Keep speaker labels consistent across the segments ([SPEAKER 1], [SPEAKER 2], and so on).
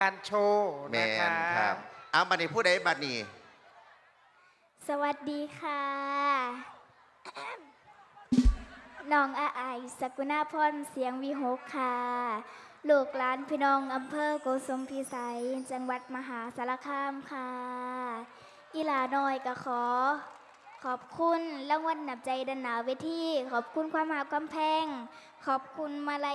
[SPEAKER 1] การโชว์
[SPEAKER 2] แม
[SPEAKER 1] นะคะ
[SPEAKER 2] นครับเอาบัดนี้ผู้ใดบัดนี้
[SPEAKER 3] สวัสดีค่ะน้องอาไอสกุณาพรเสียงวิหกค่ะลูกหลานพี่น้องอำเภอโกสุมพิสัยจังหวัดมหาสารคามค่ะอีหลาน้อยก็ขอบคุณรางวัลนำใจดันหนาเวทีขอบคุณความหาความแพงขอบคุณมาลัย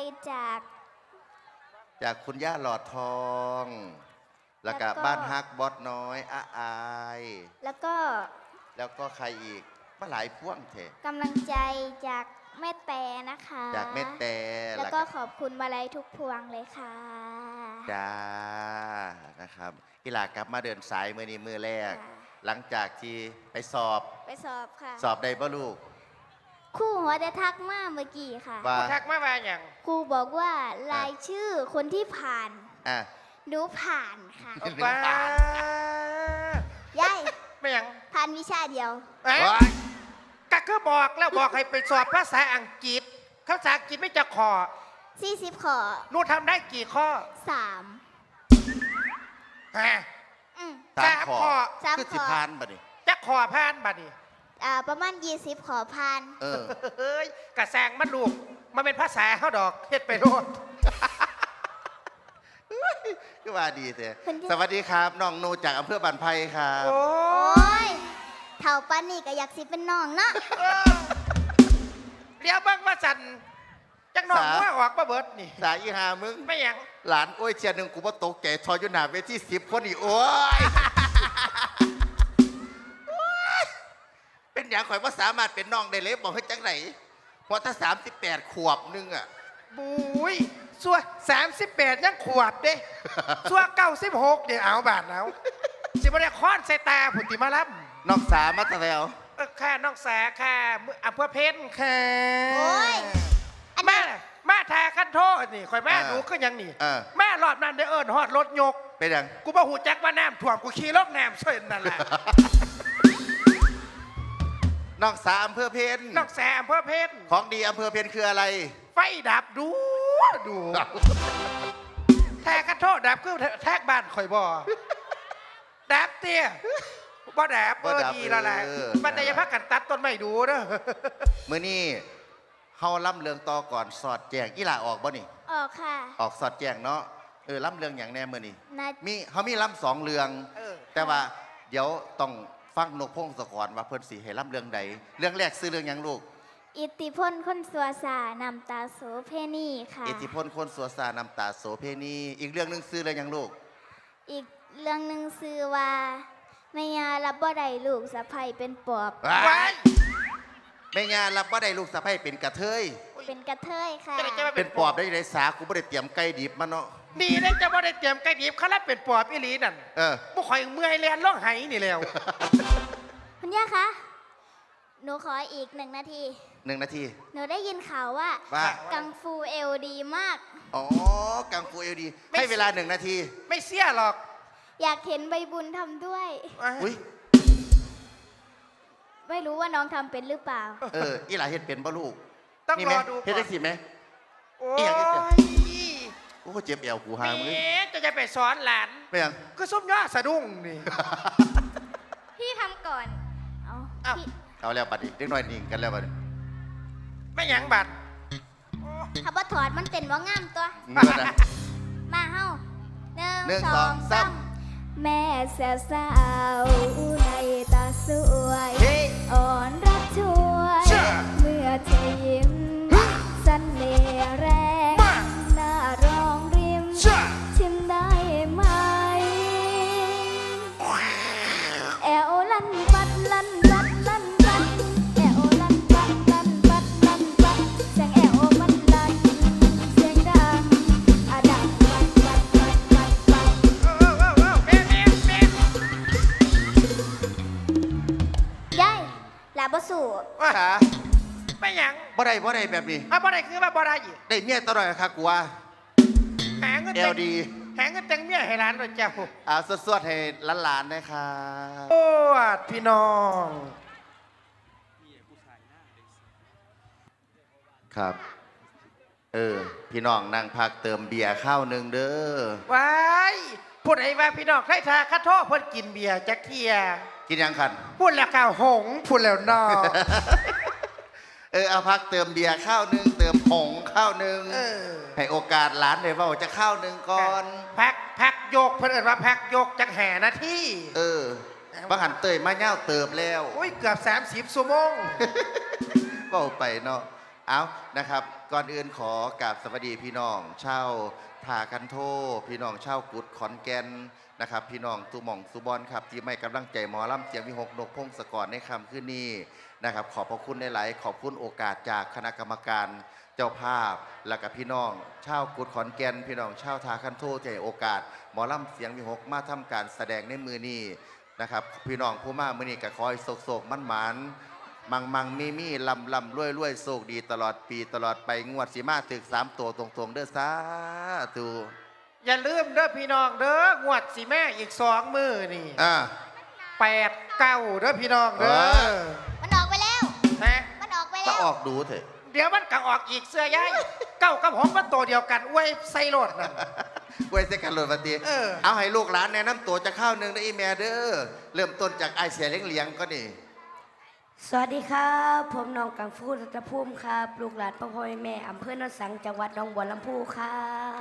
[SPEAKER 3] จาก
[SPEAKER 2] คุณย่าหลอดทองแล้วก็บ้านฮักบอสน้อยอาอาย
[SPEAKER 3] แล้วก็
[SPEAKER 2] ใครอีกมาหลายพ่วงเถอะ
[SPEAKER 3] กำลังใจจากแม่แต่นะคะ
[SPEAKER 2] จากแม่แต่
[SPEAKER 3] แล้วก็ขอบคุณมาลัยทุกพวงเลยค่ะ
[SPEAKER 2] จ้านะครับกีฬากลับมาเดินสายมือนี้มือแรกหลังจากที่ไปสอบ
[SPEAKER 3] ค่ะ
[SPEAKER 2] สอบได้ป่ะลูก
[SPEAKER 3] ครูหัวได้ทักมาเมื่อกี้ค่ะ
[SPEAKER 1] ครูทักมาว่าอย่าง
[SPEAKER 3] ครูบอกว่ารายชื่อคนที่ผ่านหนูผ่านค่ะ
[SPEAKER 1] ว้
[SPEAKER 3] ายาย
[SPEAKER 1] ไม่อย่าง
[SPEAKER 3] ผ่านวิชาเดียว
[SPEAKER 1] ก็บอกแล้วบอกให้ไปสอบภาษาอังกฤษภาษาอังกฤษไม่จะขอ
[SPEAKER 3] 40ข้อ
[SPEAKER 1] หนูทำได้กี่ข้อ
[SPEAKER 3] 3
[SPEAKER 1] ฮะ
[SPEAKER 2] 3 ข้อคือสิพานบัดนี้
[SPEAKER 1] จะขอพานบัดนี้
[SPEAKER 3] ประมาณ20ข้อผ่าน
[SPEAKER 1] เฮ้ยกระแซงมันลูกมันเป็นภาษาเขาดอกเฮ็ดไปโลด
[SPEAKER 2] ก็ว่าดีเถอะสวัสดีครับน้องโนจากอำเภอบันไพครับ
[SPEAKER 1] โอ้
[SPEAKER 3] ยเท่าปานนี่ก็อยากสิเป็นน้องเนาะ
[SPEAKER 1] เรียวบ้างว่าจันจังน้องว่าออกมาเบิดนี่
[SPEAKER 2] สายอีหามึง
[SPEAKER 1] ไม่ยัง
[SPEAKER 2] หลานโอ้ยเชียร์หนึ่งกูว่าตกแก่ทอยอยู่หน้าเวที10 คนอีกโอ้ยเป็นอย่างข่อยว่าสามารถเป็นน้องได้เลยบอกให้จังไหนเพราะถ้า38 ขวบนึงอ่ะ
[SPEAKER 1] บุ้ยซัว38ยังขวบเด้ซัว96เดี๋ยวเอาบาทแล้วสิบ่ได้ค้อนใส่ตาผุติมาลับ
[SPEAKER 2] น้องสามาตะแล้ว
[SPEAKER 1] แค่น้องแสแค่อำเภอเพชรแค่
[SPEAKER 3] โอ้ย
[SPEAKER 1] แม่แทขั้นโทษนี่ข่อยแม่หนูก็ยังนี่แม่หลอดนั่นได้ฮอดรถยก
[SPEAKER 2] เป็นยัง
[SPEAKER 1] กูบ่หูแจ็คว่าน้ำถ่วมกูขี่รถแนมเส้นนั่นแหละ
[SPEAKER 2] น้องสาอำเภอเพชร
[SPEAKER 1] น้องแสอำเภอเพชร
[SPEAKER 2] ของดีอำเภอเพชรคืออะไร
[SPEAKER 1] ไฟดับดูแทขั้นโทษดับคือแทกบ้านข่อยบ่ดับเตี้ยบ่แดบดีแล้วแหละมันจะยังพักกันตัดต้นไม้ดูเด้อ
[SPEAKER 2] มื้อนี้เฮาล่ำเรืองต่อก่อนสอดแจงกีฬาออกบ่นี่
[SPEAKER 3] ออกค่ะ
[SPEAKER 2] ออกสอดแจงเนาะล่ำเรืองอย่างแน่มื้อนี้มีล่ำ2 เรืองแต่ว่าเดี๋ยวต้องฟังนกพงศกรว่าเพิ่นสิให้ล่ำเรื่องใดเรื่องแรกซื้อเรื่องหยังลูก
[SPEAKER 3] อิทธิพลคนสัวสานำตาโสเพณีค่ะ
[SPEAKER 2] อิทธิพลคนสัวสานำตาโสเพณีอีกเรื่องนึงซื้อเรื่องหยังลูก
[SPEAKER 3] อีกเรื่องนึงซื้อว่าแม่ยารับบ่ได้ลูกสะใภ้เป็นปอบ
[SPEAKER 2] แม่ยารับบ่ได้ลูกสะใภ้เป็นกระเทย
[SPEAKER 3] เป็นกระเทยค่ะ
[SPEAKER 2] เป็นปอบได้ไรสากูบ่ได้เตรียมไก่ดิบมาเนาะ
[SPEAKER 1] ดีเลยจะบ่ได้เตรียมไก่ดิบเขาแล้วเป็นปอบอีหลีนั่นบ่ข่อยเมื่อยแลนร้องไห้นี่แล้ว
[SPEAKER 3] คุณย่าคะหนูขออีก1 นาที
[SPEAKER 2] 1 นาที
[SPEAKER 3] หนูได้ยินข่าวว่ากังฟูเอลดีมาก
[SPEAKER 2] อ๋อกังฟูเอลดีให้เวลา1 นาที
[SPEAKER 1] ไม่เสียหรอก
[SPEAKER 3] อยากเห็นใบบุญทำด้วยไม่รู้ว่าน้องทำเป็นหรือเปล่า
[SPEAKER 2] อีหลาเห็นเป็นบ่ลูก
[SPEAKER 1] ต้องรอดู
[SPEAKER 2] เห็นได้สิไหม
[SPEAKER 1] โอ้
[SPEAKER 2] ยโอ้เจ็บแอวกูหามึง
[SPEAKER 1] จะไปสอนหลาน
[SPEAKER 2] ไปยัง
[SPEAKER 1] ก็ซุ่มย่อสะดุ้งนี่
[SPEAKER 3] พี่ทำก่อน
[SPEAKER 2] เอาแล้วบัดนี้เด็กน้อยนิ่งกันแล้วบัด
[SPEAKER 1] ไม่ยังบัด
[SPEAKER 3] ถ้าบ่ถอดมันเต้นว่างามตัวมาเฮ้า1 2 3แม่แซ่สาวในตาสวยอ่อนรักช่วยเมื่อเธอยิ้มเสน่ห์แรงหน้ารองริมชิมได้ไหมแอวลั่นปัดลั่นปัดลั่นปัดแอวลั่นปัดลั่นปัดลั่นปัดเสียงแอวมันลั่นเสียงดังดังปัดปัดปัดปัดปัดยายลาบสู
[SPEAKER 2] ค่ะ
[SPEAKER 1] ไม่ยัง
[SPEAKER 2] บ่ได้แบบนี้
[SPEAKER 1] บ่ได้คือว่าบ่ได้อีก
[SPEAKER 2] ได้เมียตลอดค่ะกูว่า
[SPEAKER 1] หาเงิน
[SPEAKER 2] LD
[SPEAKER 1] หาเงินแต่งเมียให้ร้านด้วยเจ้า
[SPEAKER 2] สวดให้หลานๆนะคะ
[SPEAKER 1] โอ้พี่น้อง
[SPEAKER 2] ครับพี่น้องนั่งพักเติมเบียร์ข้าวหนึ่งเด้อ
[SPEAKER 1] ว้ายพูดไอ้ว่าพี่น้องใครทาคัดโทษเพิ่นกินเบียร์จักเทีย
[SPEAKER 2] กินยังคัน
[SPEAKER 1] พูดแล้วก้าวหงพูดแล้วนอ
[SPEAKER 2] เอาพักเติมเบียร์ข้าวหนึ่งเติมผงข้าวหนึ่งให้โอกาสหลานได้เว่าจะข้าวหนึ่งก่อน
[SPEAKER 1] พักโยกเพิ่นเอิ้นว่าพักโยกจักแห่นาที
[SPEAKER 2] บางหันเตยมาเง่าเติบแล้ว
[SPEAKER 1] โอ้ยเกือบ30ชั่วโมง
[SPEAKER 2] เบ้าไปเนาะเอานะครับ ก่อนอื่นขอกราบสวัสดีพี่น้องชาวทากันโทพี่น้องชาวกุดขอนแก่นนะครับ พี่น้องตุหม่องสุบอนครับที่ไม่กำลังใจหมอลำเสียงวิหกนกพงศกรในคำขึ้นนี้นะครับ ขอบพระคุณหลายๆขอบคุณโอกาสจากคณะกรรมการเจ้าภาพ และกับพี่น้องชาวกุดขอนแก่นพี่น้องชาวทาคันโทที่ให้โอกาสหมอลำเสียงวิหกมาทำการแสดงในมือนี้นะครับ พี่น้องผู้มามือนี้ก็คอยโศกมันหมานมังมีลำรวยโศกดีตลอดปีตลอดไปงวดสีมาถึก3 ตัวตรงๆเด้อสาธุ
[SPEAKER 1] อย่าลืมเด้อพี่น้องเด้องวดสิแม่อีก2 มื้อนี่8-9เด้อพี่น้องเด้อ
[SPEAKER 3] มันออกไปแล้ว
[SPEAKER 1] นะ
[SPEAKER 3] มันออกไป
[SPEAKER 2] ก็
[SPEAKER 3] แล้ว
[SPEAKER 2] ออกดูเถอะ
[SPEAKER 1] เดี๋ยวมันก็ออกอีกเสื้อยายเก้ากับหงมันตัวเดียวกันอวยใส่รถนั่น
[SPEAKER 2] ไว้เสกันโหลดมาตี เอาให้ลูกหลานแนะนำตัวจะข้าวหนึ่งได้อีแม่เด้อเริ่มต้นจากไอเสียเลี้ยงก็นี่
[SPEAKER 4] สวัสดีครับผมน้องกังฟูรัตภูมิครับลูกหลานพ่อพ่อแม่อำเภอโนนสังจังหวัดหนองบัวลำพูครับ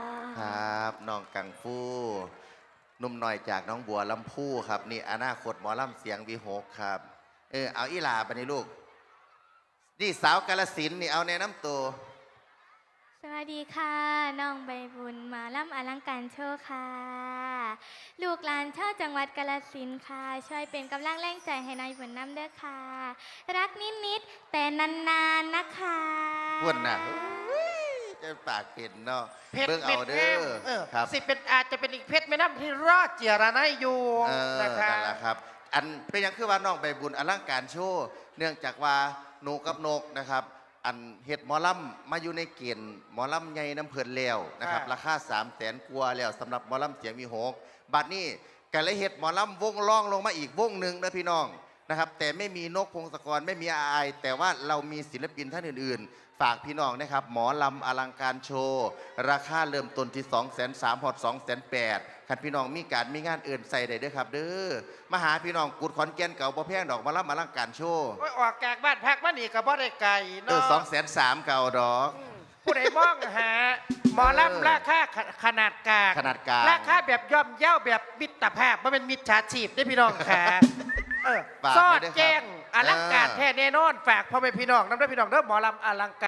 [SPEAKER 2] ครับน้องกังฟูหนุ่มหน่อยจากน้องบัวลำพูครับนี่อนาคตหมอลำเสียงวีหกครับเอาอีหลาไปนี่ลูกนี่สาวกาลสินธุ์นี่เอาแนะนำตัว
[SPEAKER 5] สวัสดีค่ะ น้องใบบุญมาล่ำอลังการโชว์ค่ะ ลูกหลานชาวจังหวัดกาฬสินธุ์ค่ะ ช่วยเป็นกำลังแรงใจให้นายบุญน้ำเด้อค่ะ รักนิดๆแต่นานๆนะคะ
[SPEAKER 2] อ้วนน่ะจะปากเป็นเนาะ
[SPEAKER 1] เพชร
[SPEAKER 2] เบิ่ง
[SPEAKER 1] เม็
[SPEAKER 2] เอา
[SPEAKER 1] ด
[SPEAKER 2] เด้
[SPEAKER 1] แง่ม
[SPEAKER 2] อครับ
[SPEAKER 1] สิเป็นอาจจะเป็นอีกเพชรแม่น้ำที่รอดเจียระไนอยู่นะคะ
[SPEAKER 2] นั่นแหละครับ อันเป็นอย่างคือว่าน้องใบบุญอลังการโชว์เนื่องจากว่าหนูกับนกนะครับ อันเห็ดหมอลำมาอยู่ในเกณฑ์หมอลำใหญ่น้ำเพลินแล้วนะครับราคา300,000 กว่าแล้วสำหรับหมอลำเสียงมีหกบัดนี้ก็เลยเห็ดหมอลำวงล่องลงมาอีกวงหนึ่งนะพี่น้องนะครับ แต่ไม่มีนกพงศกรไม่มีอาไอแต่ว่าเรามีศิลปินท่านอื่นๆ ฝากพี่น้องนะครับหมอลำอลังการโชว์ราคาเริ่มต้นที่230,000 ฮอด280,000คันพี่น้องมีการมีงานอื่นใส่ได้เด้อครับเด้อมาหาพี่น้องกุดขอนแก่นเก่าบ่แพงดอกหมอลำอลังการโชว์
[SPEAKER 1] โอ้ยออกจากบ้านพักมานี่ก็บ่ได้ไกลเนาะ
[SPEAKER 2] 230,000 เก่าดอก
[SPEAKER 1] ผู้ใดมองหาหมอลำราคาขนาดกลาง
[SPEAKER 2] ขนาดกลาง
[SPEAKER 1] ราคาแบบย่อมเย่าแบบมิตรภาพมันเป็นมิจฉาชีพได้อพี่น้องค่ะ
[SPEAKER 2] ฝาก
[SPEAKER 1] ซอ
[SPEAKER 2] ไว้
[SPEAKER 1] ด
[SPEAKER 2] ด้วยครับ
[SPEAKER 1] แจ้งอลังการแท้แน่นอนฝากพ่อแม่พี่น้องน้ำด้วยพี่น้องเด้อหมอลำอลังการ